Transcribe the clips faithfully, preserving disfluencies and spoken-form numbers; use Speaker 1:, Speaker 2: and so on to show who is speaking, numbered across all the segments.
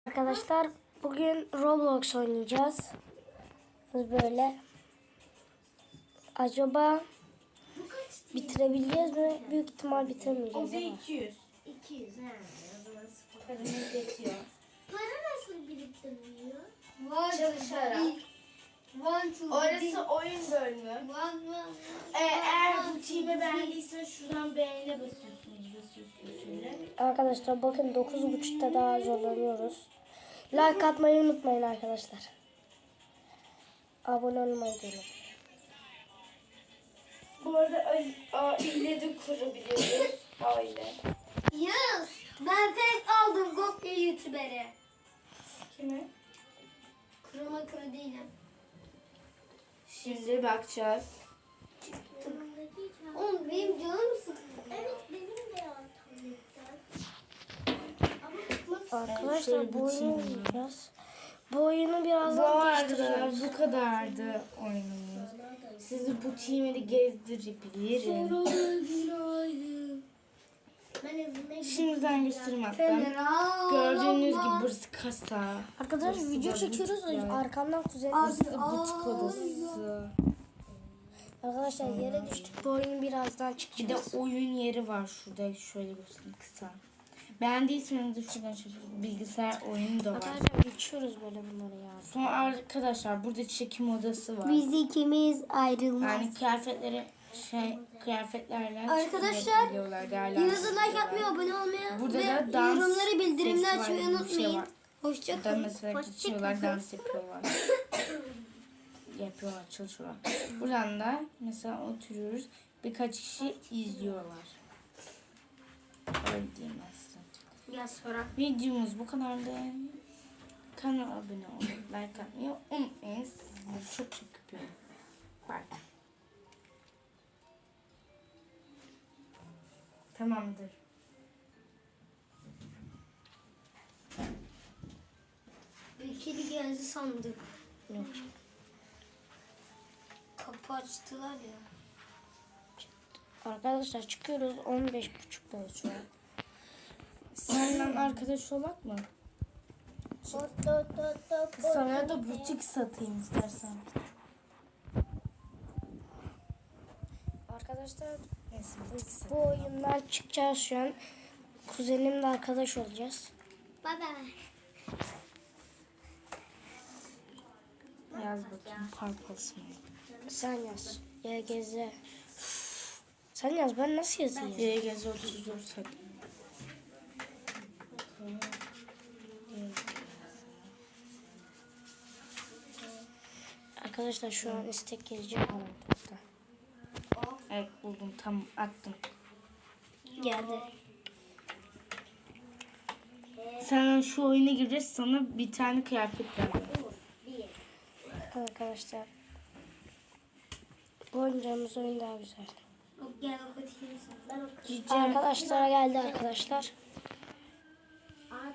Speaker 1: Arkadaşlar bugün Roblox oynayacağız. Böyle. Acaba bitirebileceğiz mi? Büyük ihtimal bitiremeyeceğiz.
Speaker 2: O da iki yüz.
Speaker 3: iki yüz he.
Speaker 2: Paramız yetiyor.
Speaker 3: Para nasıl biriktiriliyor?
Speaker 2: Çalışarak.
Speaker 3: One, two,
Speaker 2: Orası oyun bölümü.
Speaker 3: one, one.
Speaker 2: Ee, eğer bu team'i beğendiysen şuradan beğene basıyorsunuz. Basıyorsunuz şöyle.
Speaker 1: Arkadaşlar bakın dokuz buçukta daha zorlanıyoruz. Like atmayı unutmayın arkadaşlar. Abone olmayı da unutmayın.
Speaker 2: Bu arada aile de kurabiliyoruz. Aile.
Speaker 3: Yes. Ben tek aldım Gokya YouTuber'i.
Speaker 2: Kimi?
Speaker 3: Kuruma kuru değilim.
Speaker 2: Şimdi bakacağız.
Speaker 3: Oğlum benim canım sıkıldı. Evet benim de ya tabletten.
Speaker 1: Arkadaşlar bu oyunu oynayacağız. Bu oyunu
Speaker 2: Bu
Speaker 1: birazdan
Speaker 2: arada
Speaker 1: değiştireceğiz.
Speaker 2: bu kadardı oyunumuz. Sizi bu team'i de gezdirebilirim.
Speaker 3: Ben evime
Speaker 2: Şimdiden göstereyim hatta.
Speaker 3: Federal.
Speaker 2: Gördüğünüz gibi burası kasa.
Speaker 1: Arkadaşlar
Speaker 2: Burası
Speaker 1: video
Speaker 2: da
Speaker 1: çekiyoruz.
Speaker 2: butikler.
Speaker 1: Arkamdan kuzenim.
Speaker 2: Burası butik odası.
Speaker 1: Arkadaşlar yere düştük. Bu oyunu birazdan
Speaker 2: Bir
Speaker 1: çıkacağız.
Speaker 2: de oyun yeri var şurada. Şöyle göstereyim kısa. Beğendiyseniz de şuradan şöyle bilgisayar oyunu da var.
Speaker 1: Arkadaşlar geçiyoruz böyle bunları ya.
Speaker 2: Sonra arkadaşlar burada çekim odası var.
Speaker 3: Biz ikimiz ayrılmaz.
Speaker 2: Yani kıyafetleri şey kıyafetlerle
Speaker 3: Arkadaşlar,
Speaker 2: çıkabiliyorlar,
Speaker 3: Videomuza
Speaker 2: değerlendiriyorlar.
Speaker 3: like atmayı, abone olmayı
Speaker 2: Burada
Speaker 3: ve
Speaker 2: da dans
Speaker 3: yorumları bildirimleri
Speaker 2: sesi var,
Speaker 3: açmayı
Speaker 2: bir şey
Speaker 3: unutmayın.
Speaker 2: var.
Speaker 3: Hoşça
Speaker 2: Burada
Speaker 3: kalın.
Speaker 2: mesela
Speaker 3: Hoşça
Speaker 2: geçiyorlar,
Speaker 3: kalın.
Speaker 2: dans yapıyorlar. Yapıyorlar, çalışıyorlar. Buradan da mesela oturuyoruz. Birkaç kişi izliyorlar. Öyle diyeyim aslında.
Speaker 3: Ya sonra.
Speaker 2: Videomuz bu kadardı. Kanala abone olmayı, like atmayı unutmayın. Sizleri çok çok öpüyorum. Bye. Tamamdır.
Speaker 3: Bir kedi geldi sandık.
Speaker 1: Yok.
Speaker 3: Kapı açtılar ya.
Speaker 1: Arkadaşlar çıkıyoruz. on beş buçuktayız şu an.
Speaker 2: Seninle arkadaş olak mı?
Speaker 3: Hot hot hot hot.
Speaker 2: Sana da butik satayım istersen.
Speaker 1: Arkadaşlar
Speaker 2: Neyse butik sat.
Speaker 1: bu oyundan çıkacağız şu an. Kuzenimle arkadaş olacağız.
Speaker 3: Bye bye.
Speaker 2: Yaz bakayım Purples mı?
Speaker 1: Sen yaz. Y G Z. Sen yaz, ben nasıl yazayım?
Speaker 2: Y G Z otuz dört hadi.
Speaker 1: Arkadaşlar şu an istek gelecek aramızda.
Speaker 2: Evet buldum, tam attım.
Speaker 1: Geldi.
Speaker 2: Sen şu oyuna gireceğiz, sana bir tane kıyafet verdim.
Speaker 1: Arkadaşlar bu oynayacağımız oyun daha güzel.
Speaker 3: Gel okutayım sana. Ben okutayım.
Speaker 2: Cici.
Speaker 1: Arkadaşlara geldi arkadaşlar.
Speaker 3: At.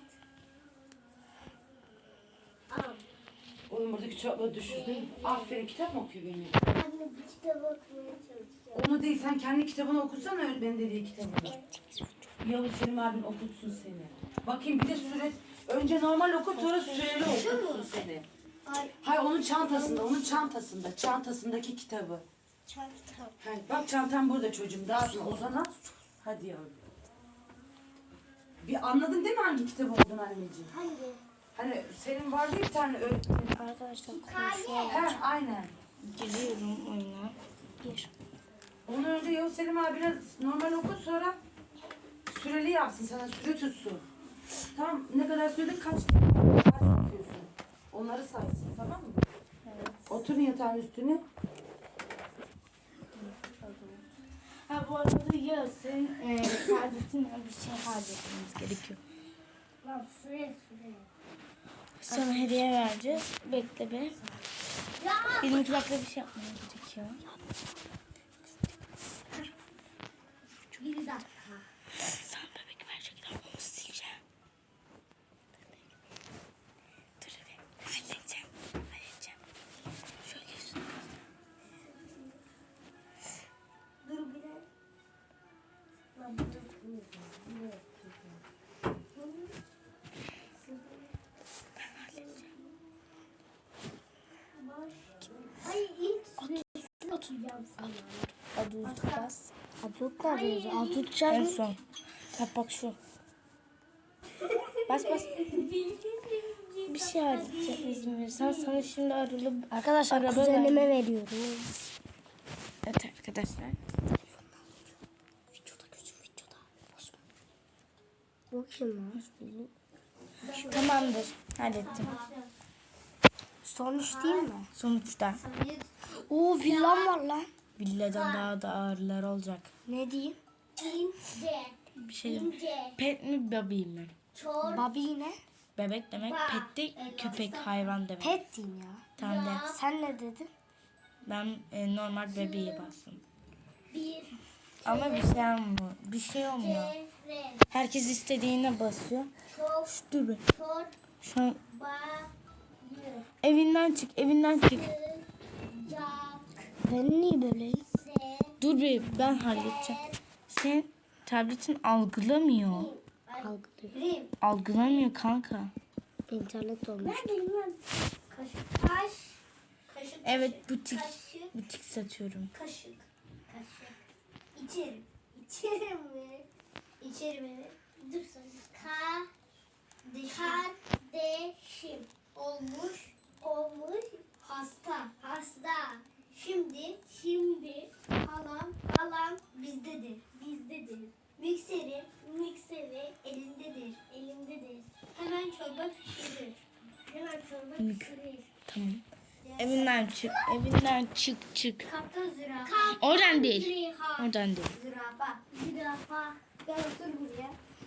Speaker 3: Al.
Speaker 4: Oğlum buradaki kitapları düşürdün. Aferin, kitap mı okuyor benim?
Speaker 3: Anne bir kitap okumaya çalışacağım.
Speaker 4: Onu değil, sen kendi kitabını okusana öğretmenin dediği kitabını. Yavuz Selim abin okutsun seni. Bakayım bir de süre... Önce normal okut, sonra süreli okutsun seni.
Speaker 3: Ay
Speaker 4: Hayır, onun çantasında, onun çantasında. Çantasındaki kitabı.
Speaker 3: çanta.
Speaker 4: Hayır, bak çantam burada çocuğum. Dağıtma, Ozan'a. Hadi yavrum. Bir anladın değil mi hangi kitap olduğunu anneciğim?
Speaker 3: Hangi?
Speaker 4: Hani senin vardı bir tane öğretmenin.
Speaker 1: Arkadaşlar konuşuyor.
Speaker 4: He, aynen.
Speaker 2: Giriyorum oyuna.
Speaker 1: Bir.
Speaker 4: Onu önce Yavuz Selim abine normal okut, sonra süreli yapsın, sana süre tutsun. Tamam, ne kadar sürede kaç ders yapıyorsun? Onları saysın, tamam mı?
Speaker 2: Evet.
Speaker 4: Oturun yatağın üstüne.
Speaker 2: Ha bu arada ya senin e, kardeşinle bir şey halletmemiz gerekiyor.
Speaker 3: Lan süre süre.
Speaker 2: Sana hediye vereceğiz. Bekle be.
Speaker 3: Ya.
Speaker 2: Benim iki dakika bir şey yapmam gerekiyor.
Speaker 3: Bir dakika.
Speaker 2: Sen bebek verecekler, onu sileceğim. Dur bir. Halledeceğim. Halledeceğim. Şöyle üstüne.
Speaker 3: Dur bir dakika. Lan bu da
Speaker 2: Adut bas.
Speaker 1: Adut nerede yazıyor? Adut
Speaker 2: En
Speaker 1: çağırın.
Speaker 2: son. Bak bak şu. Bas bas. Bir şey halledeceğim izin verirsen. Sana şimdi aralı...
Speaker 1: Arkadaşlar
Speaker 2: Araba
Speaker 1: kuzenime veriyorum.
Speaker 2: Evet arkadaşlar.
Speaker 1: Videoda gözüm videoda. Bozma. Bu kim lan?
Speaker 2: Tamamdır. Hallettim.
Speaker 1: Sonuç değil mi?
Speaker 2: Sonuçta
Speaker 1: Oo villam var lan.
Speaker 2: villadan daha da ağırlar olacak.
Speaker 1: Ne diyeyim?
Speaker 3: İnce.
Speaker 2: Bir şey diyeyim.
Speaker 3: İnce.
Speaker 2: Pet mi baby mi?
Speaker 3: Çor.
Speaker 1: Babi ne?
Speaker 2: Bebek demek, pet de köpek, hayvan demek.
Speaker 1: Pet diyeyim ya.
Speaker 2: Tamam de.
Speaker 1: Sen ne dedin?
Speaker 2: Ben e, normal bebeğe bastım.
Speaker 3: Bir.
Speaker 2: Ama bir şey olmuyor. Bir şey olmuyor.
Speaker 3: Çevre.
Speaker 2: Herkes istediğine basıyor.
Speaker 3: Çok.
Speaker 2: Dur be.
Speaker 3: Çor.
Speaker 2: Şu an
Speaker 3: Bayı.
Speaker 2: evinden çık, evinden çık.
Speaker 3: Sıcak.
Speaker 1: Ben niye böyleyim?
Speaker 3: Se.
Speaker 2: Dur be, ben halledeceğim. Sen tabletin algılamıyor.
Speaker 1: Algılıyor.
Speaker 3: Rim.
Speaker 2: Algılamıyor kanka.
Speaker 1: İnternet olmuş.
Speaker 3: Ben bilmem. Kaşık. Kaş. Kaşık.
Speaker 2: Evet, butik.
Speaker 3: Kaşık.
Speaker 2: Butik satıyorum.
Speaker 3: Kaşık. Kaşık. İçerim. İçerim mi? İçerim mi? Dur sen. Ka. Kardeşim. Olmuş. Olmuş. Hasta. Hasta. Şimdi. Şimdi. Halam. Halam bizdedir. Bizdedir. Mikseri. Mikseri elindedir. Elindedir. Hemen çorba pişirir. Hemen çorba pişirir.
Speaker 2: Tamam. Evinden çık, evinden çık çık.
Speaker 3: Kaptan zürafa.
Speaker 2: Oradan değil.
Speaker 3: Zürafa.
Speaker 2: Oradan değil.
Speaker 3: Zürafa. Zürafa. Gel otur buraya.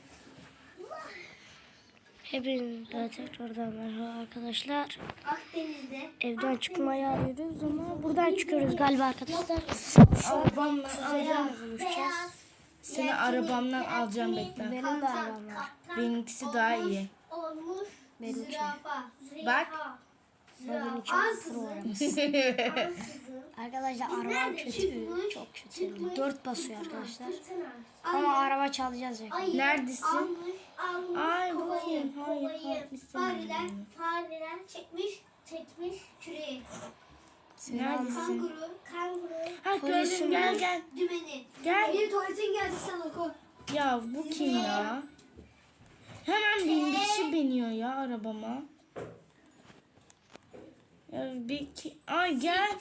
Speaker 1: Hepinize tekrardan merhaba arkadaşlar.
Speaker 3: Akdeniz'de.
Speaker 1: Evden çıkmayı arıyoruz ama buradan çıkıyoruz galiba arkadaşlar.
Speaker 2: Arabamla alacağım.
Speaker 3: Beyaz.
Speaker 2: Seni arabamdan alacağım bekle.
Speaker 1: Benim de arabam var.
Speaker 2: Benimkisi daha iyi.
Speaker 3: Olmuş.
Speaker 1: Benimki.
Speaker 3: Zürafa.
Speaker 2: Bak.
Speaker 1: Benim için
Speaker 3: Ansızın.
Speaker 1: program.
Speaker 3: Ansızın.
Speaker 1: Arkadaşlar arabam
Speaker 3: Nerede?
Speaker 1: kötü.
Speaker 3: Çıkmış,
Speaker 1: Çok kötü.
Speaker 3: çıkmış.
Speaker 1: Dört basıyor arkadaşlar.
Speaker 3: Fırtına.
Speaker 1: Ama araba çalacağız ya.
Speaker 3: Ayı
Speaker 2: Neredesin?
Speaker 3: Almış, almış
Speaker 2: Ay,
Speaker 3: kovayı,
Speaker 2: bakayım. Hayır,
Speaker 3: kovayı.
Speaker 2: hayır, istemiyorum.
Speaker 3: Fareler, fareler çekmiş, çekmiş küreği.
Speaker 2: Neredesin?
Speaker 3: Kanguru, kanguru,
Speaker 2: Ha gördüm, gel gel.
Speaker 3: dümeni.
Speaker 2: Gel.
Speaker 3: Benim tuvaletin geldi sen oku.
Speaker 2: Ya bu kim ya? Hemen bin kişi biniyor ya arabama. Ya bir ki... Ay gel.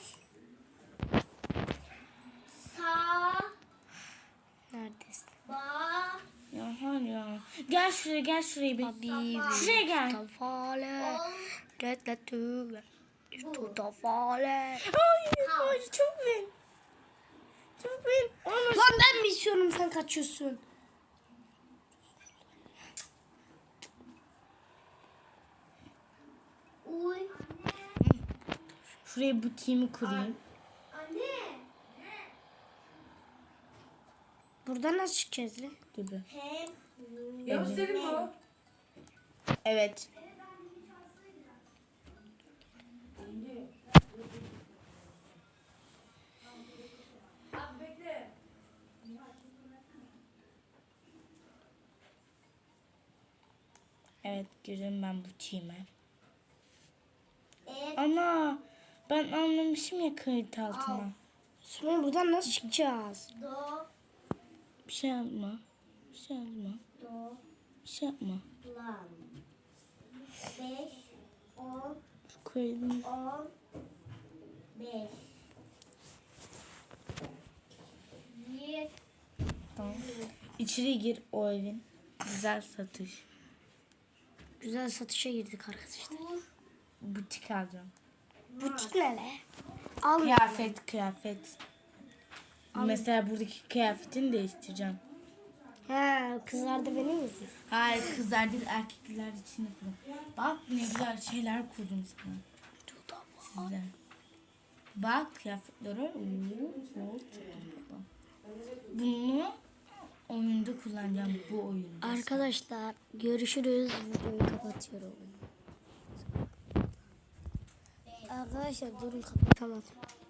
Speaker 3: Sağ,
Speaker 1: Neredesin?
Speaker 3: ba,
Speaker 2: Ya hayır ya. Gel şuraya, gel şuraya bir.
Speaker 1: Abi.
Speaker 2: Şuraya gel.
Speaker 1: Tafale. Redletü. İşte tafale.
Speaker 2: Hayır, hayır çok bin. Çok bin. Onu
Speaker 1: Lan ben mi istiyorum sen kaçıyorsun?
Speaker 3: uy.
Speaker 2: şuraya butiğimi kurayım.
Speaker 3: Anne.
Speaker 1: Buradan nasıl çıkacağız lan?
Speaker 2: Gibi.
Speaker 3: Hem,
Speaker 4: Gösterin bu.
Speaker 2: Evet. Evet, girdim ben butiğime.
Speaker 3: et,
Speaker 2: Ana, ben anlamışım ya kayıt altına.
Speaker 1: Sonra buradan nasıl çıkacağız?
Speaker 3: do,
Speaker 2: Bir şey yapma. Bir şey yapma.
Speaker 3: do,
Speaker 2: Bir şey yapma.
Speaker 3: lan. Beş, on,
Speaker 2: Şu kaydım.
Speaker 3: on, beş. Bir,
Speaker 2: Tamam. İçeri gir o evin. Güzel satış.
Speaker 1: Güzel satışa girdik arkadaşlar.
Speaker 3: kur,
Speaker 2: Butik alacağım.
Speaker 1: Butik ne le? Al.
Speaker 2: Kıyafet, kıyafet. Mesela buradaki kıyafetini değiştireceğim.
Speaker 1: He, kızlar da beni mi izliyor?
Speaker 2: Hayır, kızlar değil erkekler için yapıyorum. Bak ne güzel şeyler kurdum sana. Size. Bak kıyafetlere. Oo, oo, çok tatlı. Bunu oyunda kullanacağım, bu oyunda.
Speaker 1: Arkadaşlar görüşürüz. Videoyu kapatıyorum. Arkadaşlar durun kapatamadım.